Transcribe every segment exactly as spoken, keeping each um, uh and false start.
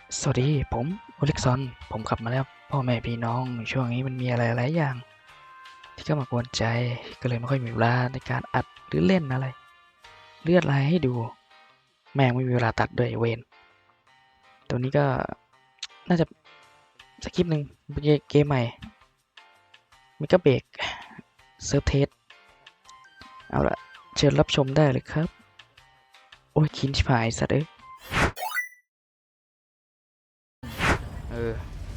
สวัสดีผมโอเล็กซอนผมกลับมาแล้วพ่อแม่พี่น้องช่วงนี้มันมีอะไรหลายอย่างที่เข้ามากวนใจก็เลยไม่ค่อยมีเวลาในการอัดหรือเล่นอะไรเลือดลายให้ดูแม่งไม่มีเวลาตัดด้วยเวนตัวนี้ก็น่าจะสักคลิปหนึ่งเกมใหม่มิกาเบรกเซิร์ฟเทสเอาละเชิญรับชมได้เลยครับโอ้ยคินชิบหายสัตว์เอ้ยเออ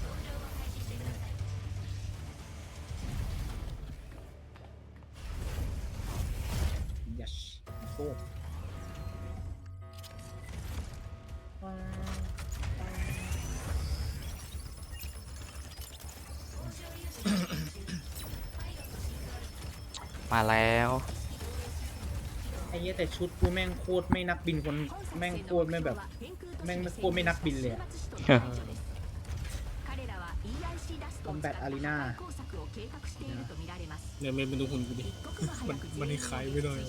yes go มาแล้วไอ้เหี้ยแต่ชุดกูแม่งโคตรไม่นักบินคนแม่งโคตรไม่แบบแม่งโคตรไม่นักบินเลยอะ Combat Arena เนี่ยเมย์เป็นดูหุ่นกูดิ มันมันคล้ายไม่ได้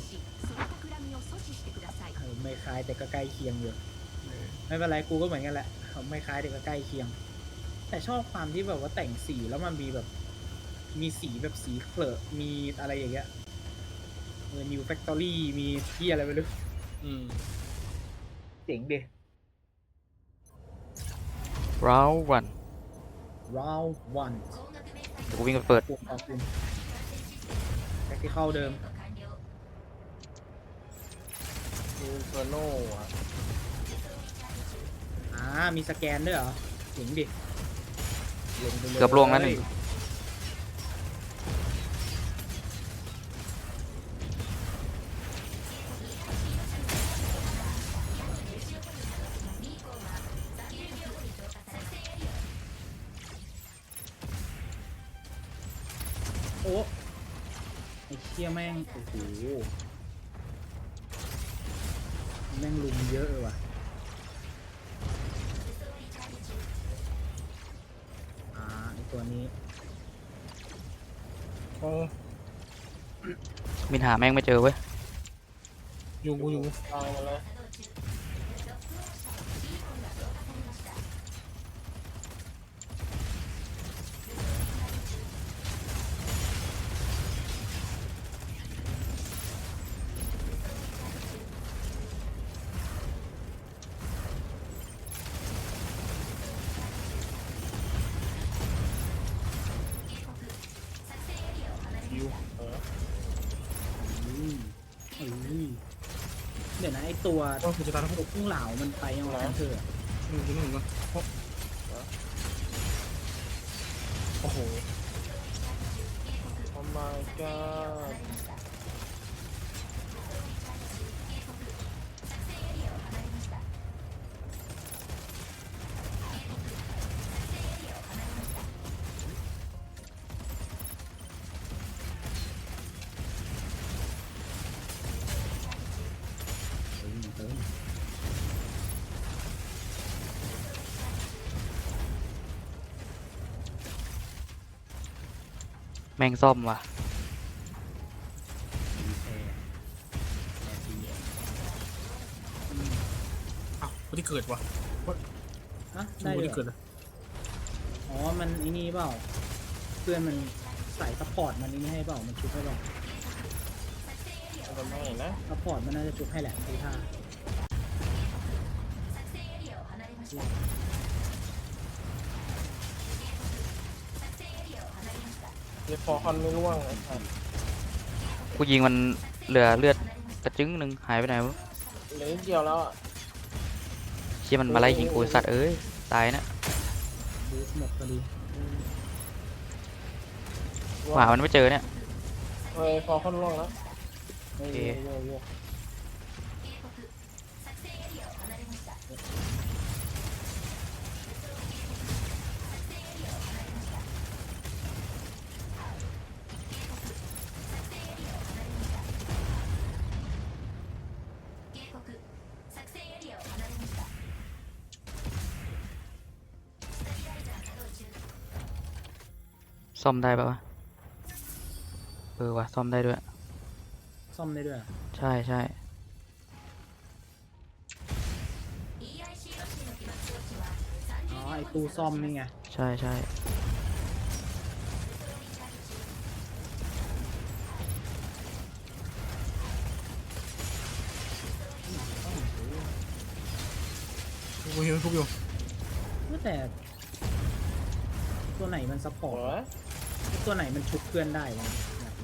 เออไม่คล้ายแต่ก็ใกล้เคียงอยู่ไม่เป็นไรกูก็เหมือนกันแหละไม่คล้ายแต่ก็ใกล้เคียง แต่ชอบความที่แบบว่าแต่งสีแล้วมันมีแบบมีสีแบบสีเคลอะมีอะไรอย่างเงี้ยเออ New Factory มีที่อะไรไม่รู้อืมเจ๋งดิ round one round one เดี๋ยวกูวิ่งไปเปิดปุ่มขอบคุณแท็กที่เข้าเดิมดูเฟอร์โน่อะอ่ามีสแกนด้วยเหรอเจ๋งดิลงไปเลยเกือบลวงแล้วหนึ่งโอ้ไอ้เชี่ยแม่งโอ้โหแม่งลุมเยอะเลยว่ะอ่าไอตัวนี้โอ้มินหาแม่งไม่เจอเว้ยยุงกูยุงตายมาแล้วยูเอออืมอืมเดี๋ยวนะไอตัวก็คือจะตายทั้งหมตัวดพุ่งเหลามันไปยังไงกันเถอะอืมจริงหนึ่งนะโอ้โห Oh my god เติมเติมแม่งซ่อมว่ะดีแพร์แพร์ดีอ้าวคนที่เกิดวะอ่ะชูได้คนเลยที่เหรเกิอดอะอ๋อมันไอ้นี่เปล่าเพื่อนมันใส่ซัพพอร์ตมันนี่ให้เปล่ามันชุบให้เปล่าทำไมนะซัพพอร์ตมันน่าจะชุบให้แหละดูท่าเดี๋ยวพอคอนไม่ร่วงเลยครับกูยิงมันเหลือเลือดกระจึงหนึ่งหายไปไหนวะเหลือนิดเดียวแล้วอ่ะเชี่ยมันมาไล่ยิงกูสัตว์เอ้ยตายนะบูสหมดพอดีหามันไม่เจอเนี่ยเฮ้ยพอคอนร่วงแล้วโอเคโยโย่ซ่อมได้ปะวะเออว่ะซ่อมได้ด้วยซ่อมได้ด้วยเหรอใช่ใช่イーアイシー ロッキの起爆装置はさんอ้ตู้ซ่อมนี่ไงใช่ใช่กูหิวทุบอยู่แต่ตัวไหนมันซัพพอโอ้ร์ตยตัวไหนมันชุบเพื่อนได้วะอยากรู้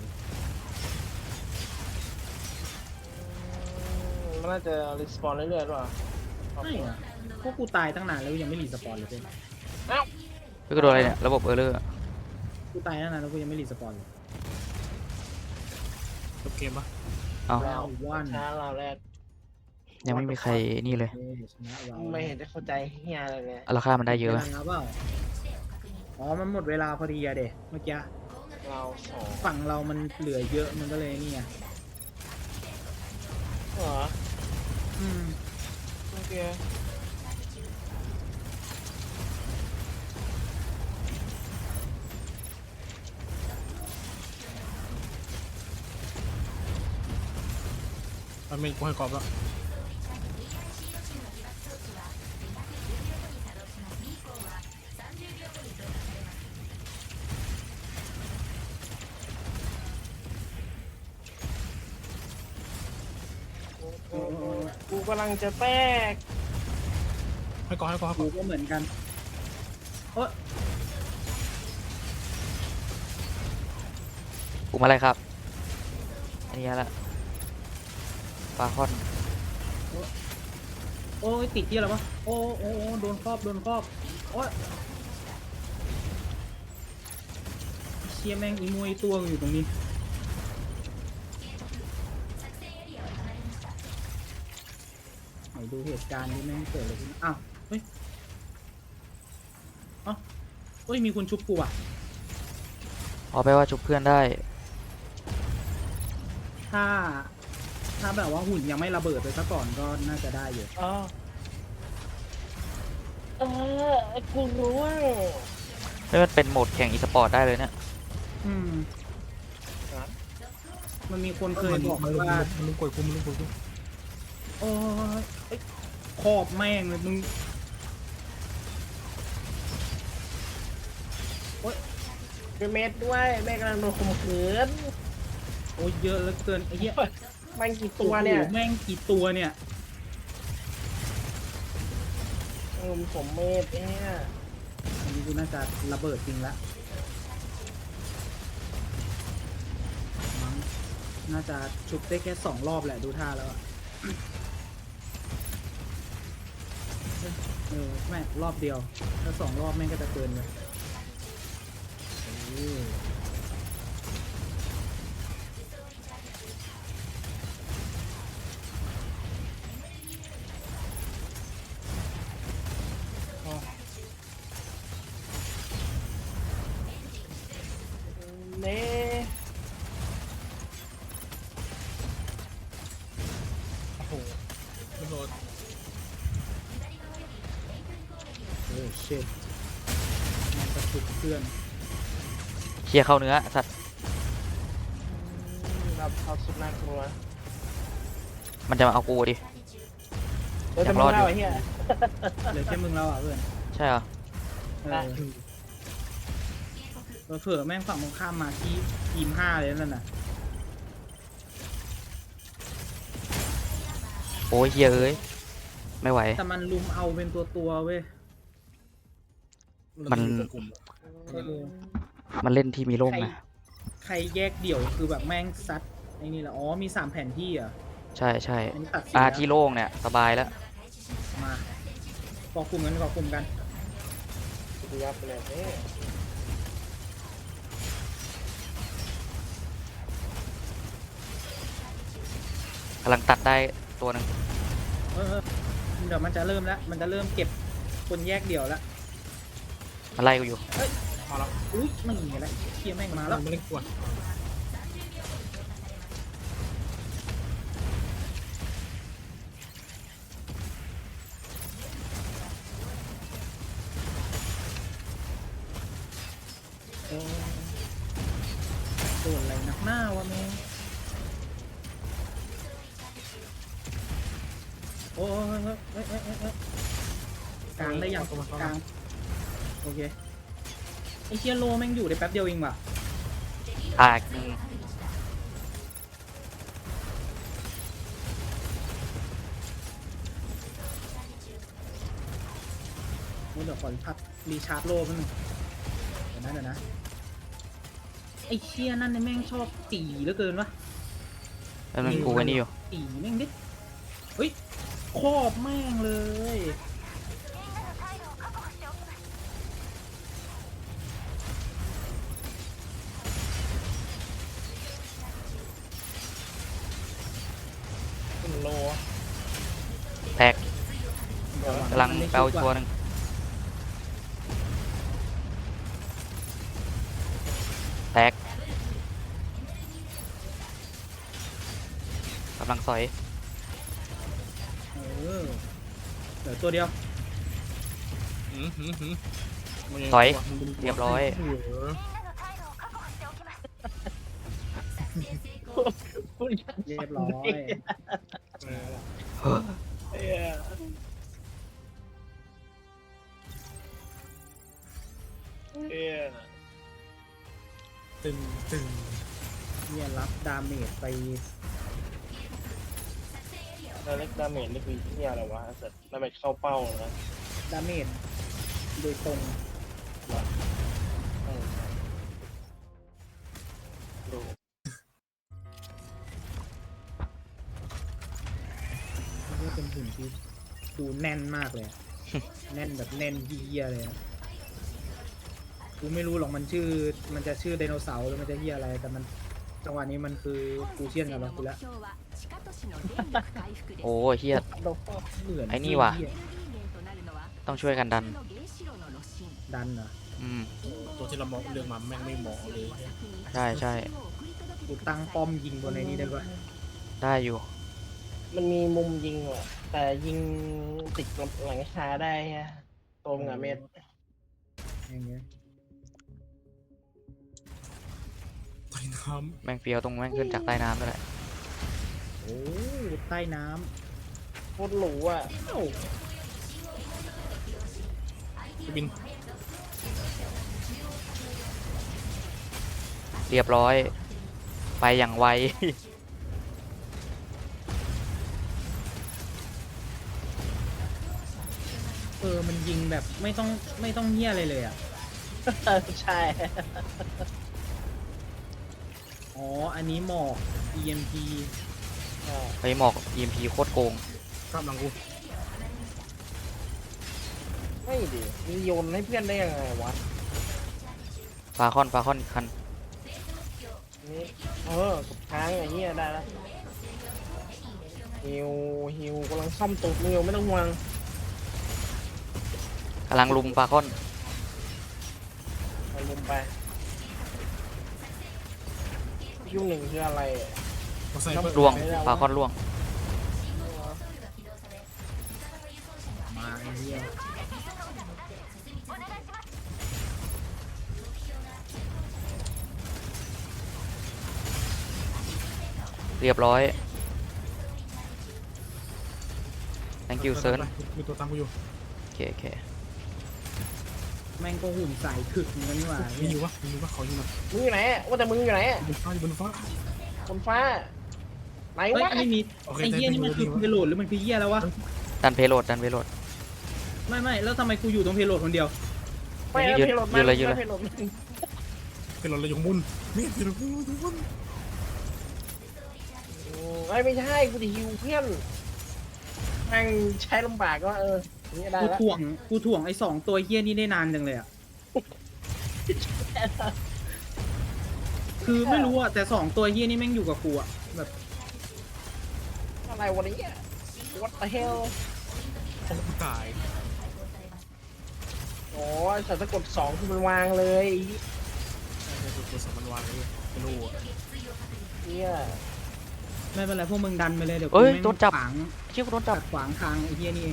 มันน่าจะรีสปอนเรื่อยๆหรอไม่อะพวกกูตายตั้งนานแล้วยังไม่รีสปอนเลยเพื่อนเอ้าเฮ้ยก็โดนอะไรเนี่ยระบบเออร์เลอร์กูตายตั้งนานแล้วกูยังไม่รีสปอนเลยจบเกมปะเอาเราวันช้าเราแรกยังไม่มีใครนี่เลยเออชนะเราไม่เห็นได้เข้าใจเฮียอะไรเลยราคามันได้เยอะวลาเปล่าอ๋อมันหมดเวลาพอดีอะเด็เมื่อกี้เราสองฝั่งเรามันเหลือเยอะมันก็เลยนี่ไงเหรออืมโอเคมันเป็นกูให้กรอบแล้วกูกำลังจะแตกให้กรอบให้กรอบให้กรกูอบก็เหมือนกันโอ๊ยปลุกมาอะไรครับ อันนี้ละปลาคอนโอ้ยติดที่อะไรวะโอ้โอ้โอ้โดนครอบโดนครอบโอ๊ยเชียแม่งอีมวยตัวอยู่ตรงนี้ไหนดูเหตุการณ์ที่แม่งเกิดอะไรขึ้นอ้าวเฮ้ยเอ้าเฮ้ยมีคนชุบกูอ่ะเอาไปว่าชุบเพื่อนได้ถ้า ถ้าแบบว่าหุ่นยังไม่ระเบิดไปซะก่อนก็น่าจะได้อยู่อ๋อเออกูรู้ว่าไม่มันเป็นโหมดแข่งอีสปอร์ตได้เลยเนี่ยอืม มันมีคนเคยบอกมันว่ามันลุกกดกูมันลุกกดกูโอ้ยเอ้ยขอบแม่งเลยมึงเป็นเม็ดด้วยแม่กำลังโดนข่มขืนโอ้ยเยอะเหลือเกินไอ้เหี้ยมันกี่ตัวเนี่ยโอ้โหแม่งกี่ตัวเนี่ยเออผมเมดเนี่ยอันนี้กูน่าจะระเบิดจริงละมั้งน่าจะชุบได้แค่สองรอบแหละดูท่าแล้วอะเออแม่งรอบเดียวถ้าสองรอบแม่งก็จะเกินเลยโอ้ยเน่โอ้โหไม่โดนโอ้เชิตมันกระชุบเพื่อนเคลียร์เข้าเนื้อสัตว์รับเขาสุดน่ากลัวมันจะมาเอากูดิเดี๋ยวอยาจะกมรออง ดอยู่เล่าไอ้เหี้ยเหลือแค่มึงแล้วอ่ะเพื่อนใช่เหรอเอได้อเผื่อแม่งฝั่งตรงข้ามมาที่ทีมห้าเลยนั่นน่ะโอ้ยเฮียเอ้ย ไม่ไหวแต่มันลุมเอาเป็นตัวตัวๆเว้ยมันเออมันเล่นที่มีร่มใครนะใครแยกเดี่ยวคือแบบแม่งซัดไอ้นี่แหละอ๋อมีสามแผ่นที่อ่ะใช่ใช่อันนี้ตัดสินอาแล้วที่โล่งเนี่ยสบายแล้วมาเกาะกลุ่มกันเกาะกลุ่มกันกูยับไปเลยเนี่ยกำลังตัดได้ตัวหนึ่งเออเออเดี๋ยวมันจะเริ่มแล้วมันจะเริ่มเก็บคนแยกเดี่ยวแล้วมันไล่กูอยู่พอแล้วอุ้ยไม่มีอะไรเคียแม่งมาแล้วไม่เล่นกวนเออโดนอะไรหนักหน้าวะแม่งโอ้ยเฮ้ยเฮ้ยเฮ้ยเฮ้ยกลางได้ยังกลางโอเคไอเชียโลแม่งอยู่ได้แป๊บเดียวเองว่ะตากหนึ่งเดี๋ยวขอพักรีชาร์จโลแป๊บนึงเดี๋ยวนะเดี๋ยวนะไอเชียนั่นเนี่ยแม่งชอบตีเหลือเกินวะแล้วมันกูไว้นี่อยู่ตีแม่งดิเฮ้ยครอบแม่งเลยขึ้นโลแตกกำลังไปเอาตัวหนึ่งแตกกำลังสอยเออเหลือตัวเดียวหืมหืมหืมมันงสอยวะมันเป็นเรียบร้อยเออพูดอย่างเรียบร้อยเออเฮ้อเออเออตึงตึงเนี่ยรับดาเมจไปแล้วเล็กดาเมจนี่คือที่อะไรวะเสร็จดาเมจเข้าเป้านะดาเมจโดยตรงเออดูเรียกเป็นหุ่นที่ดูแน่นมากเลยอะ แน่นแบบแน่นเฮียเลยอะกูไม่รู้หรอกมันชื่อมันจะชื่อไดโนเสาร์หรือมันจะเฮียอะไรแต่มันจังหวะนี้มันคือกูเชียนกับเรากูแล้วโอ้เฮียโดนเหมือนไอ้นี่ว่ะเหี้ยต้องช่วยกันดันดันเหรออืมตัวที่เรามองเรื่องมาแม่งไม่เหมาะเลยใช่ใช่กูตั้งป้อมยิงบนในนี้ได้ปะได้อยู่มันมีมุมยิงว่ะแต่ยิงติดหลังคาได้ฮะตรงอะเม็ดอย่างเงี้ยใต้น้แม่งเฟียวตรงแม่งขึ้นจากใต้น้ำนั่นแหละโอ้ใต้น้โคตรหรูอ่ะำเอ้าำจะบินเรียบร้อย ไปอย่างไวเออมันยิงแบบไม่ต้องไม่ต้องเฮียอะไรเลยอ่ะใช่อ๋ออันนี้หมอก อี เอ็ม พีไปหมอก อี เอ็ม พี โคตรโกงกลับหลังกูไม่ดิมีโยนให้เพื่อนได้ยังไงวะฟาคอนฟาคอนอีกคันนี่เออกดค้างไอ้เหี้ยได้แล้วฮิวฮิวกำลังซ่อมตูดมึงอยู่ไม่ต้องห่วงกำลังลุมฟาคอนไปลุมไปยุ่งหนึ่งคืออะไรอะมาใส่เพิ่มล่วงฟาคอนล่วงมาไอ้เฮียเรียบร้อย thank you เซิร์นมีตัวตามกูอยู่โอเคโอเคแม่งก็หุ่นใส่ถึกเหมือนกันนี่หว่ามีอยู่วะมีอยู่วะเขาอยู่นะมึงอยู่ไหนอะว่าแต่มึงอยู่ไหนอะบนฟ้าอยู่บนฟ้าบนฟ้าไหนเฮ้ยวะไม่มีโอเคไอ้เฮียนี่มันคือได้ได้เพโลดหรือมันคือเฮียแล้ววะดันเพโลดดันเพโลดไม่ไม่แล้วทำไมกูอยู่ตรงเพโลดคนเดียวไม่เอายืนเพลดยืนเลยยืนเลยเพลดเป็นเราเลยอยู่ข้างบนมีดอยู่ข้างบนอยู่ข้างบนไอ้ยไม่ใช่กูจะฮิวเพื่อนแม่งใช้ลำบากก็เออนี่ได้กูแล้วถ่วงกูถ่วงไอ้สองตัวเฮียนี่ได้นานจังเลยอ่ะคือไม่รู้อ่ะแต่สองตัวเฮียนี่แม่งอยู่กับกูอ่ะแบบอะไรวันนี้ what the hell โอ้กูตายอ๋อสัตว์สะกดสองคือมันวางเลยไอ้ตัวตัวสองมันวางเลยไม่รู้อ่ะเนี่ยไม่เป็นไรพวกมึงดันไปเลยเดี๋ยวกูเอ้ยแม่งโดนจับขวางเชี่ยกูโดนจับขัดขวางทางไอ้เฮียนี่เอง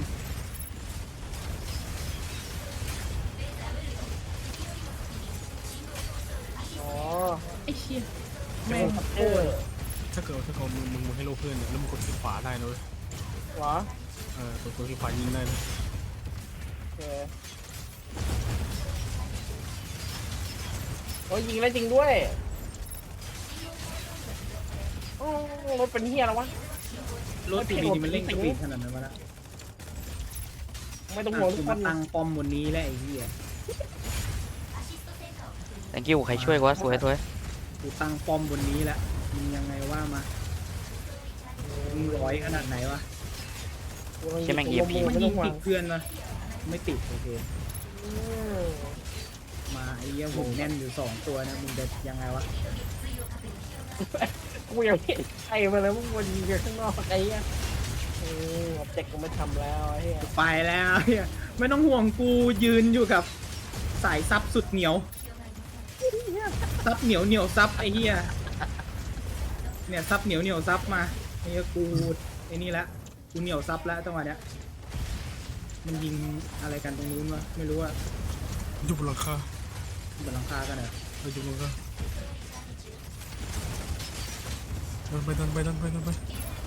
อ๋อไอ้เชี่ยแม่แม่งงเออถ้าเกิดถ้าเกิดมึงมึงมึงให้โลเพื่อนเนี่ยแล้วมึงกดคลิกขวาได้นะเว้ยเหรอเออกดคลิกขวายิงได้นะโอเคโอ้ยยิงแล้วจริงด้วยอ๋อรถเป็นเฮียแล้ววะรถปีนี้มันเร่งสปีดขนาดนั้นวะละไม่ต้องห่วงกูทุกคมาน ตั้งป้อมบนนี้แหละไอ้เหี้ย thank you ใครช่วยกูวะสวยสวยกูตั้งป้อมบนนี้แหละมึงยังไงว่ามามึงร้อยขนาดไหนวะใช่แม่ง E M P มันไม่ยิต้อง งห่วติงดเพื่อนวะไม่ติดโอเคอืมมาไอ้เหี้ยหงแน่นอยู่สองตัวนะมึงจะยังไงวะกูยังไม่ใช่มาแล้วมึงวนยิงกันข้างนอกไอ้เหี้ยอืมออบเจกต์กูไม่ทำแล้วไอ้เหี้ยไปแล้วเหี้ยไม่ต้องห่วงกูยืนอยู่กับสายซับสุดเหนียวซับเหนียวเหนียวซับไอ้เหี้ยเนี่ยซับเหนียวเหนียวซับมาไอ้เหี้ยกูไอ้นี่ละกูเหนียวซับแล้วจังหวะเนี้ยมันยิงอะไรกันตรงนู้นวะไม่รู้อะอยู่บนหลังคาบนหลังคากันเหรอเราอยู่บนหลังคาดันไปดันไปดันไปดันไป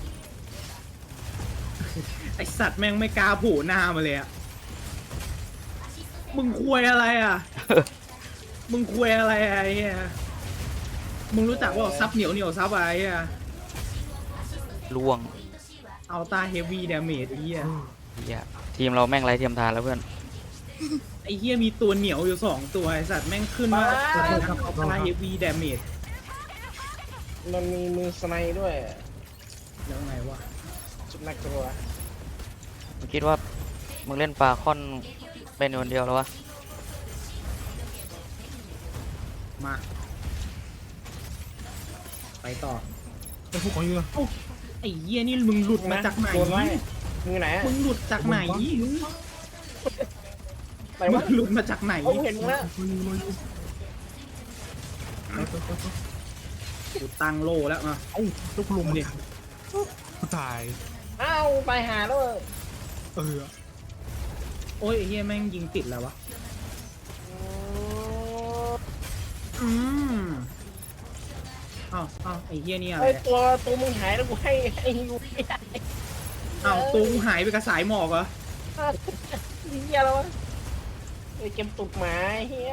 ไอสัตว์แม่งไม่กล้าโผล่หน้ามาเลยอะมึงควยอะไรอะมึงควยอะไรอะไอ้เหี้ยมึงรู้จักว่าซับเหนียวเหนียวซับอะไรอะล่วงอัลต้าเฮฟวี่ดาเมจไอ้เหี้ยเหี้ยทีมเราแม่งไรเทียมทานแล้วเพื่อนไอ้เหี้ยมีตัวเหนียวอยู่สองตัวไอสัตว์แม่งขึ้นว่าอัลต้าเฮฟวี่ดาเมจมันมีมือสไนด์ด้วยแล้วไงวะจุดนักกลัวมึงคิดว่ามึงเล่นปลาค่อนเป็นคนเดียวแล้ววะมาไปต่อไอ้พวกของอยู่นะไอ้เหี้ยนี่มึงหลุดมาจากไหนโดนไล่มือไหนอะมึงหลุดจากไหนไหนมึวะงหลุดมาจากไหนเขาเห็นมึงแล้วรออยู่รออยู่ไปไปไปไปกูตั้งโลแล้วมาเอ้าลูกลมเนี่ยกูตายอ้าวไปหาแล้วเออโอ้ยไอ้เหี้ยแม่งยิงติดแล้ววะอืมอ้าวอ้าวไอ้เหี้ยนี่อะไรไอ้เนี่ยตัวตัวมึงหายแล้วกูให้ให้ยูไม่ได้อ้าวตัวกูหายไปกับสายหมอกเหรอเฮียแล้ววะไอ้เกมตุกหมาเฮีย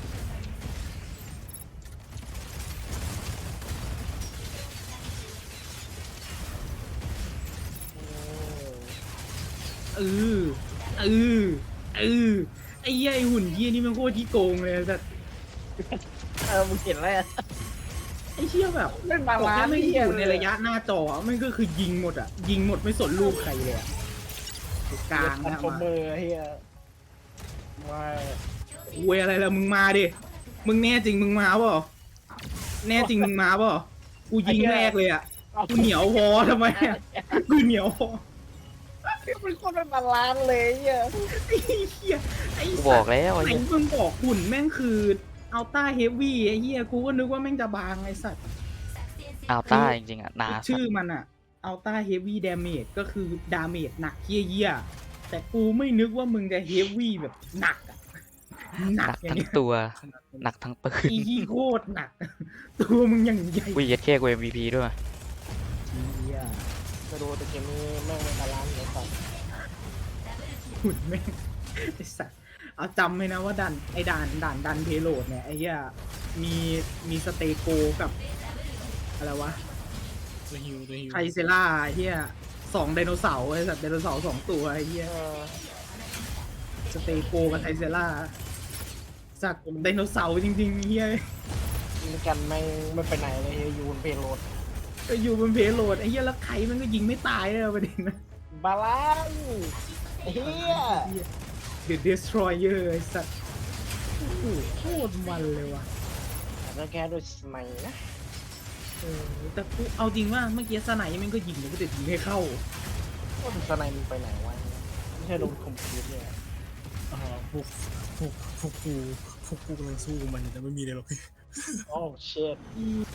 เออเออเออไอ้เหี้ยไอ้หุ่นเหี้ยนี่มันโคตรที่โกงเลยแต่เออมึงเห็นอะไรอะไอ้เหี้ยแบบเล่นบาบอกลาแค่นไม่เฮีอย ยู่ในระยะหน้าจอมันก็คือยิงหมดอ่ะ ยิงหมดไม่สนลูกใครเลยอะกลางนะนะคอมมาเมอร์เฮียมาเวยอะไรล่ะมึงมาดิมึงแน่จริงมึงมาเปล่าแน่จริงมึงมาเปล่ากูยิงแรกเลยอ่ะกูเหนียวพอทำไมอะกูเหนียวพอเป็นคนเป็นบาลานเลยเฮียไอ้เหี้ยไอ้กูสับอตกว์แล้วไอ้ไหนเหี้ยมึงบอกหุ่นแม่งคืออัลต้าเฮฟวี่ไอ้เหี้ยกูก็นึกว่าแม่งจะบางไอ้สัตว์อ้าวต้าจริงๆอ่ะหนาชื่อมันอะอัลต้าเฮฟวี่ดาเมจก็คือดาเมจหนักเยี่ยๆแต่กูไม่นึกว่ามึงจะเฮฟวี่แบบหนักอะหหนันักกอย่างทั้งเงี้ยตัวหนักทั้งปืนอีโคตรหนัก ตัวมึงอย่างใหญ่วิเย็ดแค่กู เอ็ม วี พี ด้วยเหี้ยจะดูแต่เกมนี้แม่งเป็นบาลานเลยครับหุ่นแม่งไอ้สัตว์เอาจำไว้นะว่าดันไอ้ด่านด่านดันเพโลดเนี่ยไอ้เหี้ยมีมีสเตโกกับอะไรวะตัวฮิวตัวฮิวไทเซล่าไอ้เหี้ยสองไดโนเสาร์ไอ้สัตว์ไดโนเสาร์สองตัวไอ้เหี้ยเออสเตโกกับไทเซล่าสักไดโนเสาร์จริงๆเฮียยิงกันไม่ไม่ไปไหนเลยเฮียยูนเพโลดก็อยู่บนเพโลดไอ้เฮียแล้วใครมันก็ยิงไม่ตายเลยประเด็นนะบาลานเฮียเดอะเดสทรอยเออร์ไอ้สัตว์โอ้โหโคตรมันเลยว่ะแล้วแกด้วยสไนนะเออแต่กูเอาจริงว่าเมื่อกี้สไนมันก็ยิงมันก็จะยิงให้เข้าว่าสไนมันไปไหนวะไม่ใช่โดนคอมพิวเตอร์อ่าพวกพวกพวกกูพวกกูกำลังสู้กับมันอยู่แต่ไม่มีเลยหรอกโอ้เชิด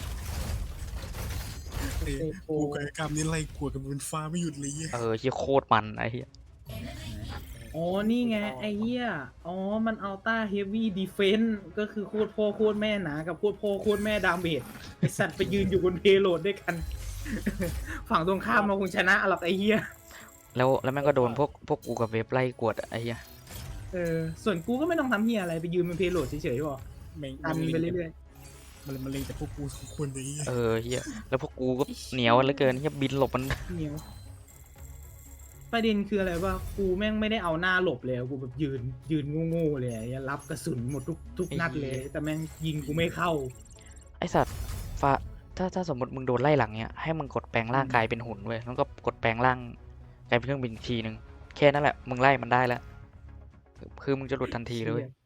ไอ้กูกับไอ้กามนี่ไล่กวดกันบนฟ้าไม่หยุดเลยเหี้ยเออที่โคตรมันไอ้เหี้ยอ๋อนี่ไงไอ้เหี้ยอ๋อมันอัลต้าเฮฟวี่ดีเฟนส์ก็คือโคตรพ่อโคตรแม่หนากับโคตรพ่อโคตรแม่ดาเมจไอสัตว์ไปยืนอยู่บนเพโลดด้วยกัน ฝั่งตรงข้ามมาคงชนะหรอกไอ้เหี้ยแล้วแล้วแม่งก็โดนพวกพวกกูกับเว็บไล่กวดอะไอ้เหี้ยเออส่วนกูก็ไม่ต้องทำเฮียอะไรไปยืนบนเพโลดเฉยๆหรอแม่งดันไปเรื่อยมันมันเลยแต่พวกกูสองคนไอ้เหี้ยเออเฮียแล้วพวกกูก็เหนียวเหลือเกินเฮียบินหลบมันเหนียวประเด็นคืออะไรว่ากูแม่งไม่ได้เอาหน้าหลบเลยกูแบบยืนยืนโง่ๆเลยอะรับกระสุนหมดทุกทุกนัดเลย แต่แม่งยิงกูไม่เข้าไอสัตว์ฟ้าถ้าถ้าสมมติมึงโดนไล่หลังเนี้ยให้มึงกดแปลงร่างกายเป็นหุ่นเว้ยแล้วก็กดแปลงร่างกลายเป็นเครื่องบินอีกทีนึงแค่นั้นแหละมึงไล่มันได้แล้วคือมึงจะหลุดทันทีเลยเว้ย